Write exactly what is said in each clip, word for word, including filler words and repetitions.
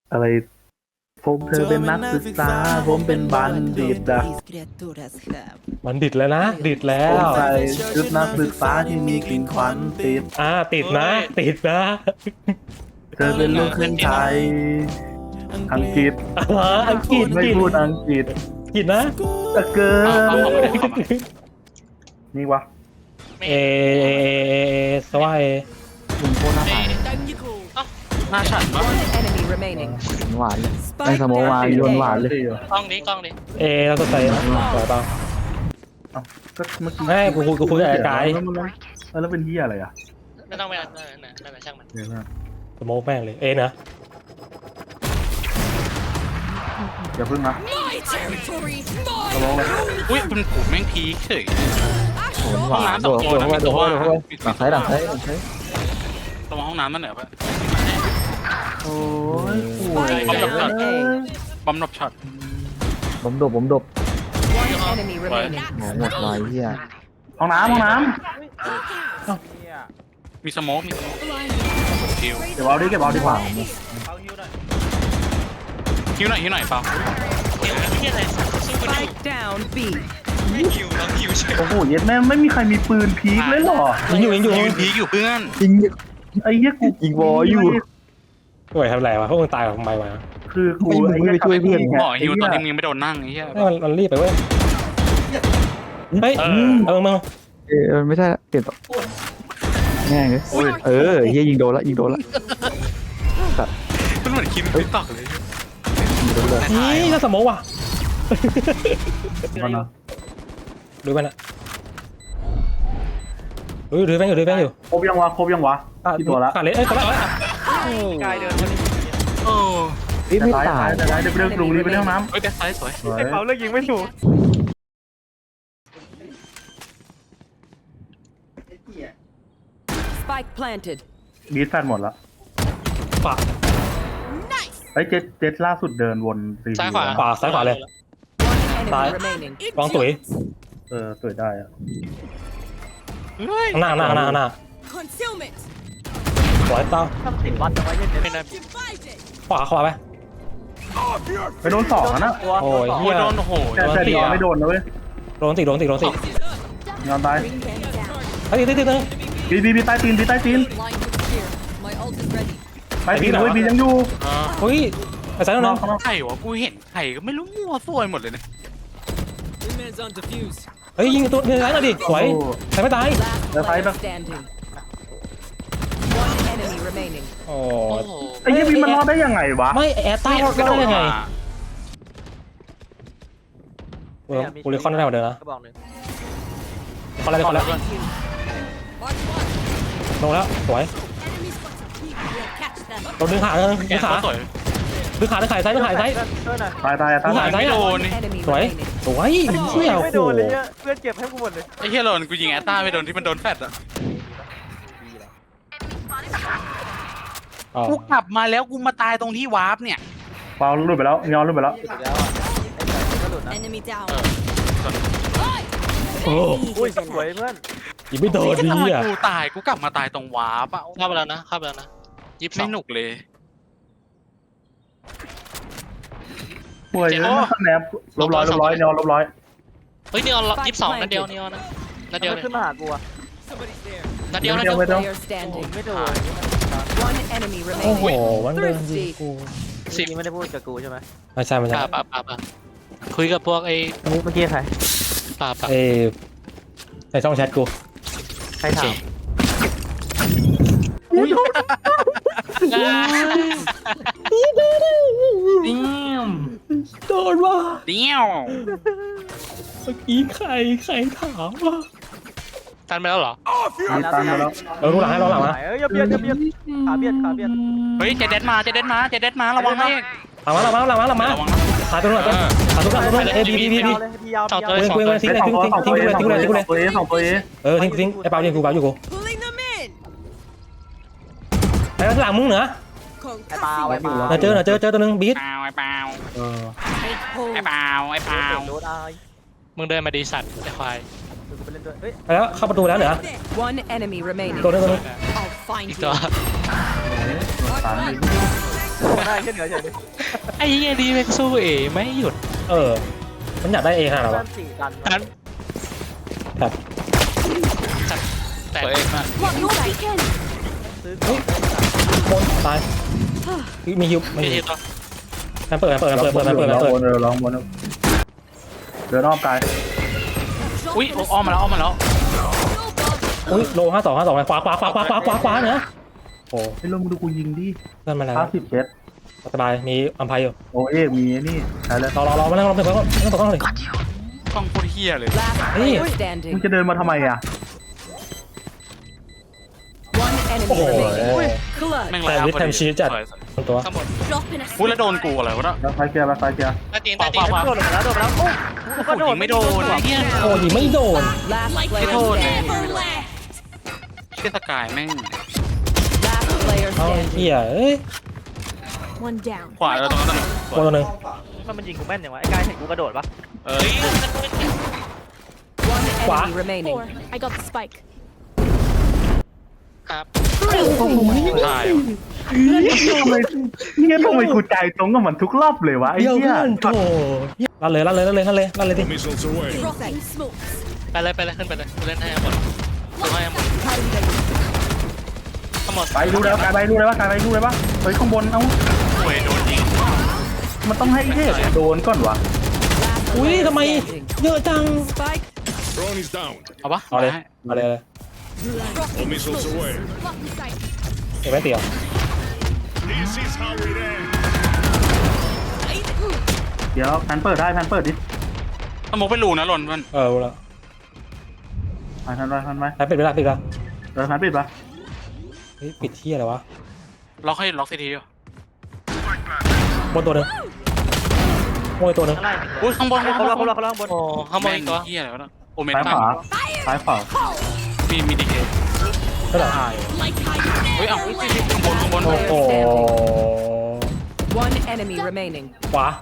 อะไรผมเธอเป็นนักศึกษาผมเป็นบัณฑิตอะมันดิดแล้วนะดิดแล้ผมวใส่ชุดนักศึกษาที่มีกลิ่นควันติดอ่าติดนะติดนะเธอเป็นลูกครึ่งไทยอังกฤษอ่าอังกฤษไม่กินพูดอังกฤษกินนะตะเกินนี่วะเอสวายมึงโคตรน่าผ่านหน้าฉันปะ Enemy remaining. หวานเลยไม่สโมองวางโยนหวานเลยกล้องนี้กล้องนี้เอเราสดใสนะสวยเปล่าเอ้าก็เมื่อกี้ไม่กูคุยกูคุยกับไอ้กายแล้วมันเออแล้วเป็นที่อะไรอ่ะไม่ต้องไปอ่านนั่นน่ะนั่นน่ะช่างมันเดี๋ยวนะสโมกแม่งเลยเอนะอย่าเพิ่งนะตลงเลยอุ้ยมันผูกแม่งพีคเฉยโหนหวานโดดโดดเข้าไปโดดเข้าไปโดดเข้าไปหลังซ้ายหลังซ้ายหลังซ้ายตรงห้องน้ำนั่นเหรอปะโอ้ยป่วยบอมดับช็อต A. บอมดับช็อตผมดบผมดบ One enemy remaining. หมอหมดไว้เฮียห้องน้ำห้องน้มีสโมกมีสโมกคิวำเก็บเอาดิเก็บเอาดีกว่าคิวหน่อยคิวหน่อยเปล่า Spike down B. โอ้โหเย็ดแม่งไม่มีใครมีปืนพีคเลยเหรอยิงอยู่ยิงอยู่ยืนพีคอยู่เพื่อนยิงไอ้เหี้ยกูยิงวออยู่สวยทำไรวะพวกมึงตายกับทำไมวะคือกูไม่ไม่ไปช่วยเพื่อนหมอฮิวตอนนี้มึงยังไม่โดนนั่งไอ้เหี้ยให้มันมันรีบไปเว้ยเฮ้ยเออเออมึงเออไม่ใช่ละเปลี่ยนต่อแง่เลยเออเฮียยิงโดนละยิงโดนละมันเหมือนคิมติ๊กต็อกเลยยิงโดนเลยนี่ก็สโมกว่ะมันนะดูมันอะดูดูแม่งอยู่ดูแม่งอยู่ครบยังวะครบยังวะที่ตัวละขาดเลยเอ้ยขาดแล้วกายเดินมาดิโอ้เฮ้ยไม่ตายแต่ได้เดี๋ยวไปเรื่องลุงรีบไปเรื่องน้ำเฮ้ยแต่ซ้ายสวยสวยไอ้เปาเลือกยิงไม่ถูก Spike planted. บีทแฟนหมดละขวาไอ้เจ็ดเจ็ดล่าสุดเดินวนซีซ้ายขวาขวาซ้ายขวาเลย One Bye. enemy remaining. วางตุ๋ยเออสวยได้อะเฮ้ยข้างหน้าข้างหน้าข้างหน้าข้างหน้า Concealment! สวยเต้าทำสิบวัดจะไว้เย็นไม่ได้ Divided! ขวาขวาไปไปโดนสองอะนะตัวโอ้ยโอ้เหี้ยยโดนโอ้โหแต่แต่ดีออนไม่โดนนะเว้ยโดนติดโดนติดโดนติดยอนตายเฮ้ยติดติดติดบีบีบีใต้ตีนบีใต้ตีน Line with fear. My ult is ready. ใต้ตีนเว้ยบียังอยู่อ่าเฮ้ยไอ้สายน้องข้างนอกไข่วะกูเห็นไข่ก็ไม่รู้มั่วซั่วไปหมดเลยเนี่ยเฮ้ยยิงตัวยิงสายหน่อยดิสวยใครไม่ตาย Last player standing. One enemy remaining. โอ้โอ้โหไอ้เหี้ยบีมันรอดได้ยังไงวะไม่แอร์ใต้รอดได้ยังไงมากูเลยคอนได้หมดเลยนะกระบอกหนึ่งคอนแล้วคอนแล้ว Mark one. ลงแล้วสวย Enemy spots are peak. We'll catch them. โดนดึงขาดึงแกขาสวยดึงขาดึงขาซ้ายดึงขาซ้ายช่วยหน่อยตายตายตายมึงหาตายยไม่โดนนี่ Enemy สวย remaining. สวยเชี่ยไม่โอ้โดโหนเลยเนี่ยเพื่อนเก็บให้กูหมดเลยไอ้เฮียโดนกูยิงแอตต้าไม่โดนที่มันโดนแฟดอะอ๋อกูกลับมาแล้วกูมาตายตรงที่วาร์ปเนี่ยเปล่าหลุดไปแล้วยอนหลุดไปแล้วแล้วอ่ะไอ้ไก่ก็หลุดนะ Enemy down. โอ้อุ้ยสวยเพื่อนยิงไม่โดนไอ้ดีทำไมอ่ะกูตายกูกลับมาตายตรงวาร์ปอะเข้าไปแล้วนะเข้าไปแล้วนะยิบไม่หนุกเลยป่วยเลยนะสแนปลบร้อยลบร้อยยอนลบร้อยเฮ้ยนีออนยี่สิบสองนัดเดียวนีออนนะนัดเดียวมันเลยขึ้นมาหากูอ่ะนัดเดียวนัดเดีเดียยว วไม่ต้อง Player โอ้ standing. ไม่โดน One enemy โอ้โห remaining. มันเดินยิงกูสิบนี่ไม่ได้พูดกับกูใช่ไหมไม่ใช่ไม่ใช่ป่าป่าป่าป่าคุยกับพวกไอ้เมื่อกี้เมื่อกี้ใครป่าป่าเอในช่องแชทกูใครถามโดนว่ะเดียวเมื่อกี้ใครใครถามว่าตันไปแล้วเหรอตายมาแล้วเออรู้หลังให้รู้หลังนะเอ้ยอย่าเบียดอย่าเบียดขาเบียดขาเบียดเฮ้ยเจเด็ดมาเจเด็ดมาเจเด็ดมาระวังนะเองหลังมาหลังมาหลังมาหลังมาระวังนะขาตัวนู้นขาตัวนู้นขาตัวนู้นเอบีบีบีบียาวเลยพี่ยาวต่อพี่ตัยาว วทิ้งทิ้งทิ้งสองทิ้งตัวทิ้งสองทิ้งตัวทิ้งทิ้งเลยทิ้งเลยทิ้งเลยสองตัวสองตัวเออทิ้งทิ้งไอ้เปล่ายิงกูเปล่าอยู่กู Pulling them in. ไอ้หลังมึงเหรอไอ้ปลาไอ้ปลาน่าเจอน่าเจอเจอตัวนึงบีทเปล่าไอ้เปล่าเออไอ้เปล่าไอ้เปล่าโดนไอ้มึงเดินมาดีสัตว์ไอ้ควายกูไปเล่นด้วยเฮ้ยไปแล้วเข้าประตูแล้วเหรอ One enemy remaining. ตัวนึงตัวนึง I'll find อีก you. ตัวสามดิได้แค่เหนือเฉยไอ้เหี้ยดีแม็กสู้เอไม่หยุดเออ มันอยากได้เอขนาดไหนด้าวะนสี่ดันทันแบบจัดแต่เองมาก What no beacon? ซื้อบนตายมีฮิวไม่ไม่มีใช่ตัวมันเปิดมันเปิดมันเปิดมันเปิดมันเปิดลมันเปิดองบนเออลองบนเดินอ้อมกายอุ้ยอ้อมมาแล้วอ้อมมาแล้วอุ้ยโลห้าสองห้าสองขวาขวาขวาขวาขวาขวาขวาเนอะโอ้ไอ้ลงดูกูยิงดิเพื่อนมาแล้วห้าสิบเจ็ดสบายมีอัมพายอยู่โอเอกมีไอ้นี่ใช่แล้วรอรอรอมานั่งรอเพื่อนก่อนนั่งตกข้างเลยกล้องโคตรเหี้ยเลย Last Hey. player มึง standing. จะเดินมาทำไมอ่ะ One โอ้ enemy โห remaining. แม่งแต่แล้ววิทย์แทมชีสจัด ตัวข้างบน Drop in a อุ้ยแล้วโดนกูอะไรวะเนี่ยแล้วไฟเกียร์แล้วไฟเกียร์ใต้ตีนใต้ตีนโดดลงมาแล้วโดดมาแล้วโอ้กูก็โดดไม่โดนไอ้เหี้ยโอ้ยไม่โดน Last like player you standing. never left. เชี่ยสกายแม่ง Last player เอา standing. เฮียเอ้ย One down. ขวาแล้วตรงนั้นตัวตัวหนึ่งมันมันยิงกูแม่นอย่างวะไอ้กายเห็นกูกระโดดปะเอ้ย One What? enemy remaining. Four. I got the spike. ครับได้ได้เนี่ยทำไมกูใจตรงกับมันทุกรอบเลยวะไอ้เดี๋ยวเหี้ยเพื่อนโถลั่นเลยลั่นเลยลั่นเลยลั่นเลยลั่นเลยดิ Missiles away. Dropping smokes. ไปเลยไปเลยขึ้นไปเลยเล่นให้หมดดูให้หมดทั้งหมดไปดูแล้วกายไปดูเลยว่ากายไปดูเลยว่าเฮ้ยข้างบนเอ้าโอ้ยโดนยิงมันต้องให้เทพโดนก่อนวะ Last อุ้ย player ทำไม standing. เยอะจัง Spike. Drone is down. เอาปะเอาเลยเอาเลยเอาเลย All missiles away. Block the sight. เก็บไว้เตี๋ยว This is how it ends. เดี๋ยวแพนเปิดได้แพนเปิดดิสมองเป็นรูนะหล่นมันเออรู้แล้วไปแพนไปแพนไปไปปิดไปละปิดละเออแพนปิดปะเฮ้ยปิดที่อะไรวะล็อกให้ล็อกซีทีอยู่บนตัวหนึ่งโอ้ยตัวหนึ่งข้างล่างอุ้ยข้างบนเขาล่างเขาล่างเขาล่างบนโอ้ข้างบนอีกตัวเหี้ยอะไรวะเนี่ยโอเมนซ้ายตัขวาซ้ายขวามีมีดีเคก็เหรอถ่าย Like how you เฮ้ย never เอ้าข้างบนข้างบนโอ้โห One enemy remaining. ขวา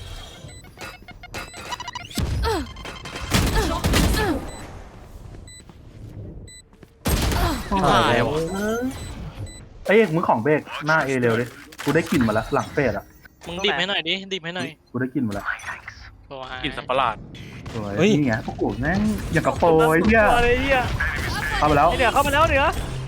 ถ่ายวะเอ้ยมึงของเบรกหน้าเอเร็วดิกูได้กลิ่นมาแล้วหลังเฟสอ่ะมึงดิบให้หน่อยดิดิบให้หน่อยกูได้กลิ่นมาแล้วกินสับประหลาดสวยนี่ไงพวกกูแม่งอย่างกับโปรไอ้เหี้ยอะไรเหี้ยเข้าไปแล้วไอ้เหนือเข้ามาแล้วเหนือ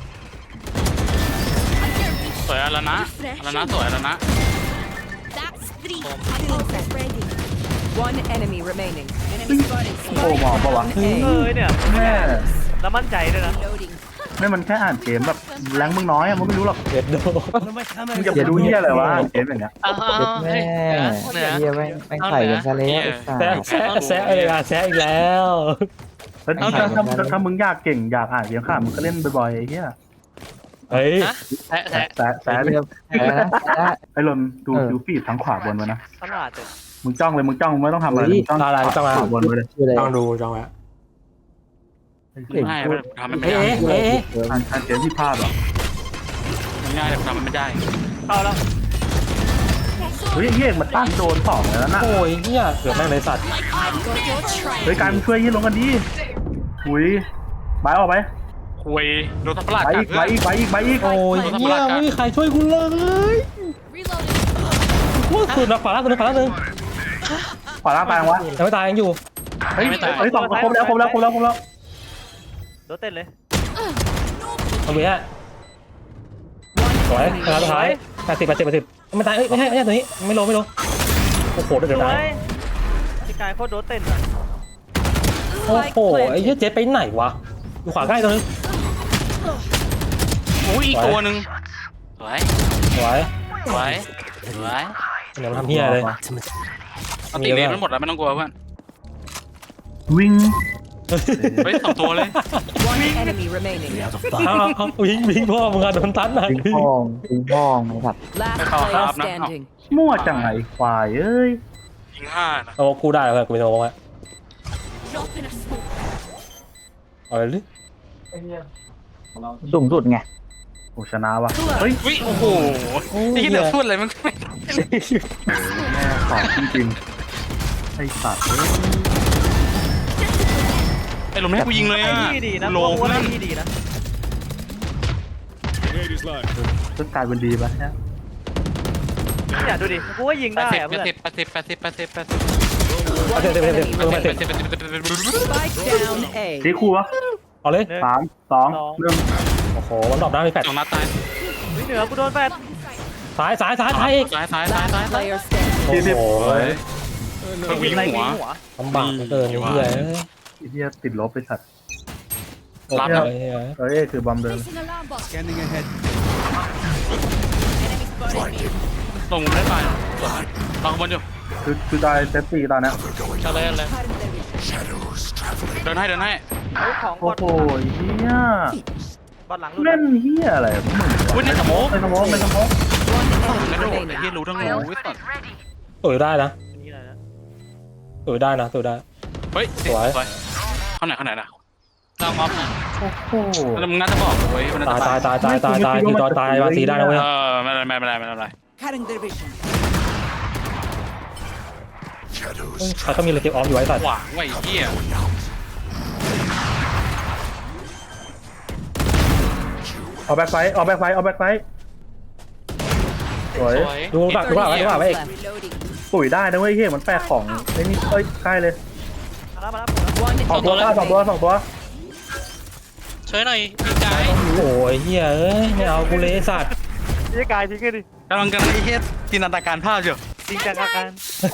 สวยแล้วนะแล้วนะสวยแล้วนะ That's three. My ultimate ready. One enemy remaining. โปรมองปะวะ One เอ A. อเนี่ยแม่แล้วมั่นใจด้วยนะ Loading. ไม่มันแค่อ่านเกมแบบแรงมึงน้อยอะมึงไม่รู้หรอกเด็ดโดมึงจะไปดูเหี้ยอะไรวะอ่านเกมอย่างเงี้ยอ้าวแม่เหนือเฮียแม่งแม่งใส่กันซะแล้วไอ้สัแซะสแซะแซะอะไรอ่ะแซะอีกแล้วแล้วถ้าถ้าถ้าถ้ามึงอยากเก่งอยากอ่านเกมข้ามมึงก็เล่นบ่อยๆไอ้เหี้ยเฮ้ยแทะแทะแต่แต่เฮียแพ้นะแพ้ไอ้ลนดูคิวฟีดทั้งขวาบนไว้นะตลาดเลยมึงจ้องเลยมึงจ้องมึงไม่ต้องทำอะไรมึงจ้องขวาบนไว้เลยชื่ออะไรต้องดูจังหวะง่ายไปทำมันไม่เอ๊ะได้เอ๊ะอ่านอ่านเกมที่พลาดหรอมันง่ายแต่ทำมันไม่ได้เข้าแล้วเฮ้ยเหี้ยมันตั้งโดนสองแล้วนะโอ้ยเฮียเกือบแม่งเลยสัตว์ Like I've got your trail. เฮ้ยการช่วยยี่ลงกันดีหุยบายออกไปคุยโดนสับประหลาดไปกัอีดกไปอีกไปอีกไปอีกโอ้ยเฮียไม่มีใครช่วยกูเลย Reloading. ว่าสุดนะขวาล่างสุดนะขวาล่างหนึ่งขวาล่างตายวะยังไม่ตายยังอยู่เฮ้ยเฮ้ยสองครบแล้วครบแล้วครบแล้วครบแล้วโดดเต้นเลยตรงนี้ฮะสวยชนะสุดท้ายแปดสิบแปดสิบแปดสิบไม่ตายเอ้ยไม่ใช่ไม่ใช่ตัวนี้ไม่ลงไม่ลงโอ้โหเดือดสวตายยพี่กายโคตรโดดเต้นอ่ะโอ้โหไอ้เหี้ยเจ๊ไปไหนวะอยู่ขวาใกล้ตัวนึงโอ้ยอีกตัวหนึ่งสวยสวยสวยสวยเดี๋ยวมันทำเหี้ยเลยเอาตีเลนมันหมดแล้วไม่ต้องกลัวเพื่อนวิ่งเฮ้ยสองตัวเลย One enemy remaining. เอาเอาเอาวิ่งวิ่งพ่อมึงอะโดนตันหนักปิงพองปิงพองนะครับ Last Call player up now. standing. มั่วจังไงควายเอ้ยยิงห้านะโอ้กูได้แล้วกูไปโดนไว้ Drop in a smoke. เอาเลยดิสูงสุดไงโอ้ชนะว่ะเฮ้ยวิโอ้โหไอ้ที่เดี๋ยวพูดอะไรมันไม่แม่สอบจริงๆไอ้สัตว์ไอ้ลมให้กูยิงเลยไอ้อ่ะที่ดีนะโลโอ้เพื่ไอ้อนที่ดีนะ Grenade is live. ก็กลายเป็นดีไปฮะเนี่ยดูดิกูก็ยิงแปได้ดสิบอะแปเพื่ดอนสิบแปดสิบแปดสิบแปดสิบแปดสิบเอาเดี๋ยวเดี๋ยวเดี๋ยวเดี๋ยวแปเดี๋ดยวสิบเดี๋ยวแปดสิบแปดสิบ Spike down A. ตีคู่วะเอาเลยสามสองหนึ่งโอ้โหมันดรอปได้มีแปดสองนัดตายวิ่งเหนือกูโดนแฟดสายสายสายสายอีกซ้ายซ้ายซ้ายซ้าย Player standing. โอ้โหเพิ่งวิ่งไรหัววิ่งหัวลำบากเหลือเกินเหี้ยไอ้เหี้ยติดลบไปสัตว์รับเลแล้วยเหี้ยเอ้ยคือบอมเดิน Placing alarm bot. ลงไม่ตายลองบนอยู่คือคือตายเซฟตี้ตอนเนี้ยเอาเลยเอาเลยเดินให้เดินให้เฮ้ยของบโอ้อดโหเหี้ยบอดหลังหลุดเล่นเหี้ยอะไรมึงอุ้ยในสมองไม่สมองไม่สมอง One กระ enemy โดด remaining. ที่รู้ทั้งรู้วิสัตสวยได้นะนี่อะไรนะสวยได้นะสวยได้เฮ้ยสวยสวยเข้าไหนเข้าไหนนะลองออฟนะโอ้โหแล้วมึงน่าจะบอกเว้ยมันน่าตายจะตายตายตายตายตายคือจอตายวาซีได้นะเว้ยเออไม่เป็นไรไม่เป็นไรไม่เป็นไร Cutting their vision. ใครก็มีเลยเก็บออฟอยู่ไว้สัตว์หวังไว้เหี้ยเอาแบ็คไฟเอาแบ็คไฟเอาแบ็คไฟสวยสวยดูปากดูปากไว้ดูปากไว้อีก Reloading. ปุ๋ยได้นะเว้ยเฮียมันแปลกของไอ้นี่เอ้ยใกล้เลยมาแล้วมาแล้ว One สองตัวสองตัวสองตัวช่วยหน่อยพี่กายโอ้ยเฮียเอ้ยไม่เอากูเลยไอ้สัตว์นี่กายทิ้งกันดิกำลังกำลังไอ้เหี้ยจินตนาการภาพอยู่จริงจังอาการ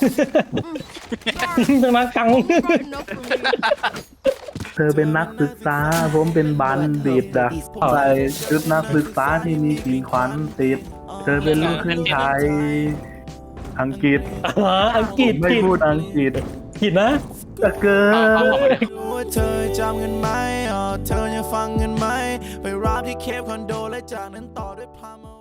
เป็นมากัง Enough for me. เธอเป็นนักศึกษาผมเป็นบัณฑิตอะใส่ชุดนักศึกษาที่มีสีขวัญติด เธอเป็นลูกครึ่งไทยอังกฤษอ่าอังกฤษไม่กิดพูดอังกฤษกิดนะจะเกิเอาเอานเอามาดิว่าเธอจำกันไหมอ๋อเธอยังฟังกันไหม ไปรับที่เคปคอนโดและจากนั้นต่อด้วยพามา